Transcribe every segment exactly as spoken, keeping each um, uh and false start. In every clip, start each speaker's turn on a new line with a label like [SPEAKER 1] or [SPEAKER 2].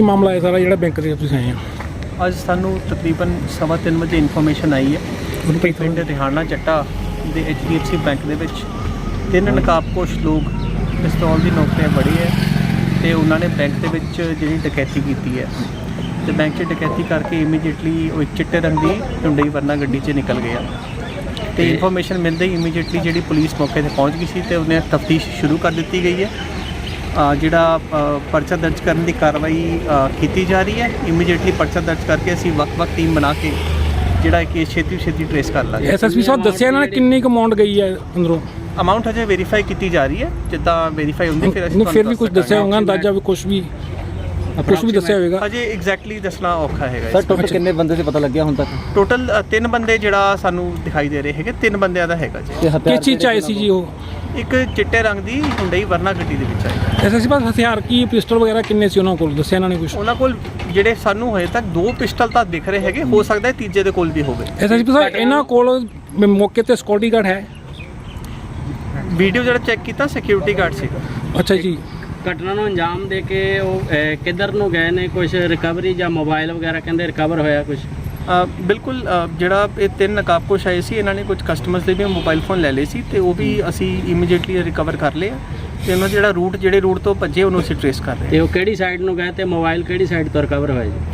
[SPEAKER 1] ਮਾਮਲਾ ਹੈ ਸਾਰਾ ਜਿਹੜਾ ਬੈਂਕ ਦੇ ਤੁਸੀਂ ਆਏ ਆ?
[SPEAKER 2] ਅੱਜ ਸਾਨੂੰ ਤਕਰੀਬਨ ਸਵਾ ਤਿੰਨ ਵਜੇ ਇਨਫੋਰਮੇਸ਼ਨ ਆਈ ਹੈ ਕਿ ਪਿੰਡ ਰਿਹਾਨਾ ਚੱਟਾ ਦੇ H D F C bank ਦੇ ਵਿੱਚ ਤਿੰਨ ਨਕਾਬਪੋਸ਼ ਲੋਕ ਪਿਸਤੌਲ ਦੀ ਨੋਕ 'ਤੇ ਬੜੇ ਹੈ ਅਤੇ ਉਹਨਾਂ ਨੇ ਬੈਂਕ ਦੇ ਵਿੱਚ ਜਿਹੜੀ ਡਕੈਤੀ ਕੀਤੀ ਹੈ ਅਤੇ ਬੈਂਕ 'ਚ ਡਕੈਤੀ ਕਰਕੇ ਇਮੀਡੀਏਟਲੀ ਉਹ ਇੱਕ ਚਿੱਟੇ ਰੰਗ ਦੀ ਹੁੰਡਈ ਵਰਨਾ ਗੱਡੀ 'ਚ ਨਿਕਲ ਗਿਆ ਅਤੇ ਇਨਫੋਰਮੇਸ਼ਨ ਮਿਲਦੇ ਹੀ ਇਮੀਡੀਏਟਲੀ ਜਿਹੜੀ ਪੁਲਿਸ ਮੌਕੇ 'ਤੇ ਪਹੁੰਚ ਗਈ ਸੀ ਅਤੇ ਉਹਨੇ ਤਫਤੀਸ਼ ਸ਼ੁਰੂ ਕਰ ਦਿੱਤੀ ਗਈ ਹੈ। ਜਿਹੜਾ ਪਰਚਾ ਦਰਜ ਕਰਨ ਦੀ ਕਾਰਵਾਈ ਕੀਤੀ ਜਾ ਰਹੀ ਹੈ। ਇਮੀਡੀਏਟਲੀ ਪਰਚਾ ਦਰਜ ਕਰਕੇ ਅਸੀਂ ਵੱਖ-ਵੱਖ ਟੀਮ ਬਣਾ ਕੇ ਜਿਹੜਾ ਕੇਸ ਛੇਤੀ ਛੇਤੀ ਟ੍ਰੇਸ ਕਰ ਲਾਂਗੇ।
[SPEAKER 1] ਐਸ ਐਸ ਪੀ ਸਾਹਿਬ ਦੱਸਿਆ ਇਹਨਾਂ ਨੇ ਕਿੰਨੀ ਕੁ ਅਮਾਊਂਟ ਗਈ ਹੈ ਅੰਦਰੋਂ?
[SPEAKER 2] ਅਮਾਊਂਟ ਹਜੇ ਵੈਰੀਫਾਈ ਕੀਤੀ ਜਾ ਰਹੀ ਹੈ, ਜਿੱਦਾਂ ਵੈਰੀਫਾਈ ਹੁੰਦੀ ਫਿਰ ਅਸੀਂ
[SPEAKER 1] ਫਿਰ ਵੀ ਕੁਝ ਦੱਸਿਆ ਹੋਊਗਾ ਅੰਦਾਜ਼ਾ ਵੀ ਕੁਝ ਵੀ ਕੁਝ ਵੀ ਦੱਸਿਆ ਹੋਵੇਗਾ?
[SPEAKER 2] ਹਜੇ ਐਗਜ਼ੈਕਟਲੀ ਦੱਸਣਾ ਔਖਾ ਹੈਗਾ।
[SPEAKER 3] ਸਰ ਟੋਟਲ ਕਿੰਨੇ ਬੰਦੇ ਤੇ ਪਤਾ ਲੱਗਿਆ ਹੁਣ ਤੱਕ?
[SPEAKER 2] ਟੋਟਲ ਤਿੰਨ ਬੰਦੇ ਜਿਹੜਾ ਸਾਨੂੰ ਦਿਖਾਈ ਦੇ ਰਹੇ ਹੈਗੇ, ਤਿੰਨ ਬੰਦਿਆਂ ਦਾ ਹੈਗਾ ਜੀ।
[SPEAKER 1] ਕਿਸ ਚੀਜ਼ 'ਚ ਆਏ ਸੀ ਜੀ ਉਹ?
[SPEAKER 2] ਇੱਕ ਚਿੱਟੇ ਰੰਗ ਦੀ ਹੁੰਡਈ ਵਰਨਾ ਗੱਡੀ ਦੇ ਵਿੱਚ ਆਈ।
[SPEAKER 1] ਐਸ ਐਸ ਪੀ ਸਾਹਿਬ ਹਥਿਆਰ ਕੀ ਪਿਸਟਲ ਵਗੈਰਾ ਕਿੰਨੇ ਸੀ ਉਹਨਾਂ ਕੋਲ, ਦੱਸਿਆ ਇਹਨਾਂ ਨੇ ਕੁਝ?
[SPEAKER 2] ਉਹਨਾਂ ਕੋਲ ਜਿਹੜੇ ਸਾਨੂੰ ਹਜੇ ਤੱਕ ਦੋ ਪਿਸਟਲ ਤਾਂ ਦਿਖ ਰਹੇ ਹੈਗੇ, ਹੋ ਸਕਦਾ ਹੈ ਤੀਜੇ ਦੇ ਕੋਲ ਵੀ ਹੋਵੇ।
[SPEAKER 1] ਐਸ ਐਸ ਪੀ ਸਾਹਿਬ ਇਹਨਾਂ ਕੋਲ ਮੌਕੇ ਤੇ ਸਿਕਿਉਰਿਟੀ ਗਾਰਡ ਹੈ?
[SPEAKER 2] ਵੀਡੀਓ ਜਿਹੜਾ ਚੈੱਕ ਕੀਤਾ ਸਿਕਿਉਰਿਟੀ ਗਾਰਡ ਸੀਗਾ।
[SPEAKER 1] ਅੱਛਾ ਜੀ।
[SPEAKER 4] ਘਟਨਾ ਨੂੰ ਅੰਜਾਮ ਦੇ ਕੇ ਉਹ ਕਿੱਧਰ ਨੂੰ ਗਏ ਨੇ? ਕੁਝ ਰਿਕਵਰੀ ਜਾਂ ਮੋਬਾਈਲ ਵਗੈਰਾ ਕਹਿੰਦੇ ਰਿਕਵਰ ਹੋਇਆ ਕੁਝ?
[SPEAKER 2] ਬਿਲਕੁਲ, ਜਿਹੜਾ ਇਹ ਤਿੰਨ ਨਕਾਬਪੋਸ਼ ਆਏ ਸੀ ਇਹਨਾਂ ਨੇ ਕੁਝ ਕਸਟਮਰਸ ਦੇ ਵੀ ਮੋਬਾਈਲ ਫੋਨ ਲੈ ਲਏ ਸੀ ਅਤੇ ਉਹ ਵੀ ਅਸੀਂ ਇਮੀਡੀਏਟਲੀ ਰਿਕਵਰ ਕਰ ਲਏ ਅਤੇ ਉਹਨਾਂ ਜਿਹੜਾ ਰੂਟ ਜਿਹੜੇ ਰੂਟ ਤੋਂ ਭੱਜੇ ਉਹਨੂੰ ਅਸੀਂ ਟ੍ਰੇਸ ਕਰ ਰਹੇ।
[SPEAKER 4] ਅਤੇ ਉਹ ਕਿਹੜੀ ਸਾਈਡ ਨੂੰ ਗਏ ਅਤੇ ਮੋਬਾਈਲ ਕਿਹੜੀ ਸਾਈਡ ਤੋਂ ਰਿਕਵਰ ਹੋਇਆ ਜੀ?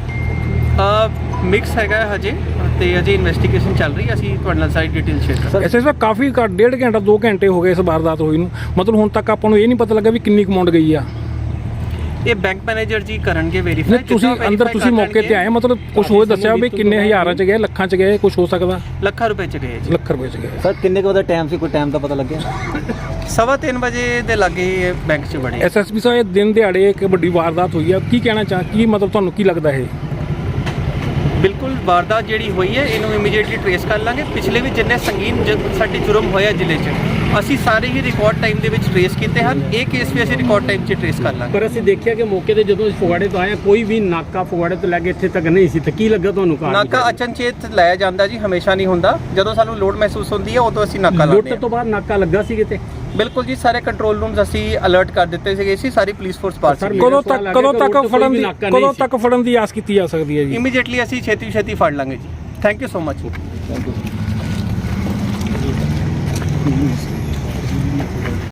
[SPEAKER 2] ਮਿਕਸ ਹੈਗਾ ਹਜੇ ਅਤੇ ਅਜੇ ਇਨਵੈਸਟੀਗੇਸ਼ਨ ਚੱਲ ਰਹੀ, ਅਸੀਂ ਤੁਹਾਡੇ ਨਾਲ ਸਾਰੀ ਡਿਟੇਲ ਸ਼ੇਅਰ ਕਰਾਂਗੇ।
[SPEAKER 1] ਐਸ ਐਸ ਪੀ ਸਾਹਿਬ ਕਾਫੀ ਘੱਟ ਡੇਢ ਘੰਟਾ ਦੋ ਘੰਟੇ ਹੋ ਗਏ ਇਸ ਵਾਰਦਾਤ ਹੋਈ ਨੂੰ, ਮਤਲਬ ਹੁਣ ਤੱਕ ਆਪਾਂ ਨੂੰ ਇਹ ਨਹੀਂ ਪਤਾ ਲੱਗਾ ਵੀ ਕਿੰਨੀ ਅਮਾਊਂਟ ਗਈ ਆ?
[SPEAKER 2] ਇਹ ਬੈਂਕ ਮੈਨੇਜਰ ਜੀ ਕਰਨਗੇ ਵੈਰੀਫਾਈ।
[SPEAKER 1] ਤੁਸੀਂ ਅੰਦਰ ਤੁਸੀਂ ਮੌਕੇ ਤੇ ਆਏ, ਮਤਲਬ ਕੁਝ ਹੋਰ ਦੱਸਿਆ ਵੀ ਕਿੰਨੇ ਹਜ਼ਾਰਾਂ 'ਚ ਗਏ, ਲੱਖਾਂ 'ਚ ਗਏ, ਕੁਝ ਹੋ ਸਕਦਾ?
[SPEAKER 2] ਲੱਖਾਂ ਰੁਪਏ 'ਚ ਗਏ ਜੀ।
[SPEAKER 1] ਲੱਖ ਰੁਪਏ 'ਚ ਗਏ।
[SPEAKER 3] ਸਰ ਕਿੰਨੇ ਕੁ ਵਜੇ ਟਾਈਮ ਸੀ, ਕੋਈ ਟਾਈਮ ਦਾ ਪਤਾ ਲੱਗਿਆ?
[SPEAKER 2] ਸਵਾ ਤਿੰਨ ਵਜੇ ਦੇ ਲਾਗੇ ਬੈਂਕ 'ਚ ਵੜੇ।
[SPEAKER 1] ਐਸ ਐਸ ਪੀ ਸਾਹਿਬ ਦਿਨ ਦਿਹਾੜੇ ਇੱਕ ਵੱਡੀ ਵਾਰਦਾਤ ਹੋਈ ਆ, ਕੀ ਕਹਿਣਾ ਚਾਹ ਕੀ ਮਤਲਬ ਤੁਹਾਨੂੰ ਕੀ ਲੱਗਦਾ ਇਹ?
[SPEAKER 2] ਬਿਲਕੁਲ, ਵਾਰਦਾਤ ਜਿਹੜੀ ਹੋਈ ਹੈ ਇਹਨੂੰ ਇਮੀਡੀਏਟਲੀ ਟ੍ਰੇਸ ਕਰ ਲਾਂਗੇ। ਪਿਛਲੇ ਵੀ ਜਿੰਨੇ ਸੰਗੀਨ ਸਾਡੇ ਜੁਰਮ ਹੋਇਆ ਜ਼ਿਲ੍ਹੇ 'ਚ ਅਸੀਂ ਸਾਰੇ ਹੀ ਰਿਕਾਰਡ ਟਾਈਮ ਦੇ ਵਿੱਚ ਟ੍ਰੇਸ ਕੀਤੇ ਹਨ। ਇਹ ਕੇਸ ਵੀ ਅਸੀਂ ਰਿਕਾਰਡ ਟਾਈਮ 'ਚ ਟ੍ਰੇਸ ਕਰ ਲਾਂਗੇ।
[SPEAKER 4] ਪਰ ਅਸੀਂ ਦੇਖਿਆ ਕਿ ਮੌਕੇ ਤੇ ਜਦੋਂ ਫਗਵਾੜੇ ਤੋਂ ਆਏ ਕੋਈ ਵੀ ਨਾਕਾ ਫਗਵਾੜੇ ਤੋਂ ਲੈ ਕੇ ਇੱਥੇ ਤੱਕ ਨਹੀਂ ਸੀ, ਤਾਂ ਕੀ ਲੱਗਾ ਤੁਹਾਨੂੰ?
[SPEAKER 2] ਨਾਕਾ ਅਚਨਚੇਤ ਲਾਇਆ ਜਾਂਦਾ ਜੀ, ਹਮੇਸ਼ਾ ਨਹੀਂ ਹੁੰਦਾ। ਜਦੋਂ ਸਾਨੂੰ ਲੋਡ ਮਹਿਸੂਸ ਹੁੰਦੀ ਹੈ ਉਦੋਂ ਅਸੀਂ ਨਾਕਾ ਲਾਉਂਦੇ ਹਾਂ।
[SPEAKER 4] ਲੁੱਟ ਤੋਂ ਬਾਅਦ ਨਾਕਾ ਲੱਗਾ ਸੀ ਕਿਤੇ?
[SPEAKER 2] ਬਿਲਕੁਲ ਜੀ, ਸਾਰੇ ਕੰਟਰੋਲ ਰੂਮਸ ਅਸੀਂ ਅਲਰਟ ਕਰ ਦਿੱਤੇ ਸੀਗੇ ਸੀ, ਸਾਰੀ ਪੁਲਿਸ ਫੋਰਸ ਪਾਸ ਸੀ।
[SPEAKER 1] ਕਦੋਂ ਤੱਕ ਕਦੋਂ ਤੱਕ ਫੜਨ ਦੀ ਕਦੋਂ ਤੱਕ ਫੜਨ ਦੀ ਆਸ ਕੀਤੀ ਜਾ ਸਕਦੀ ਹੈ ਜੀ?
[SPEAKER 2] ਇਮੀਡੀਏਟਲੀ ਅਸੀਂ ਛੇਤੀ ਛੇਤੀ ਫੜ ਲਾਂਗੇ ਜੀ। Thank you so much.
[SPEAKER 3] Thank you.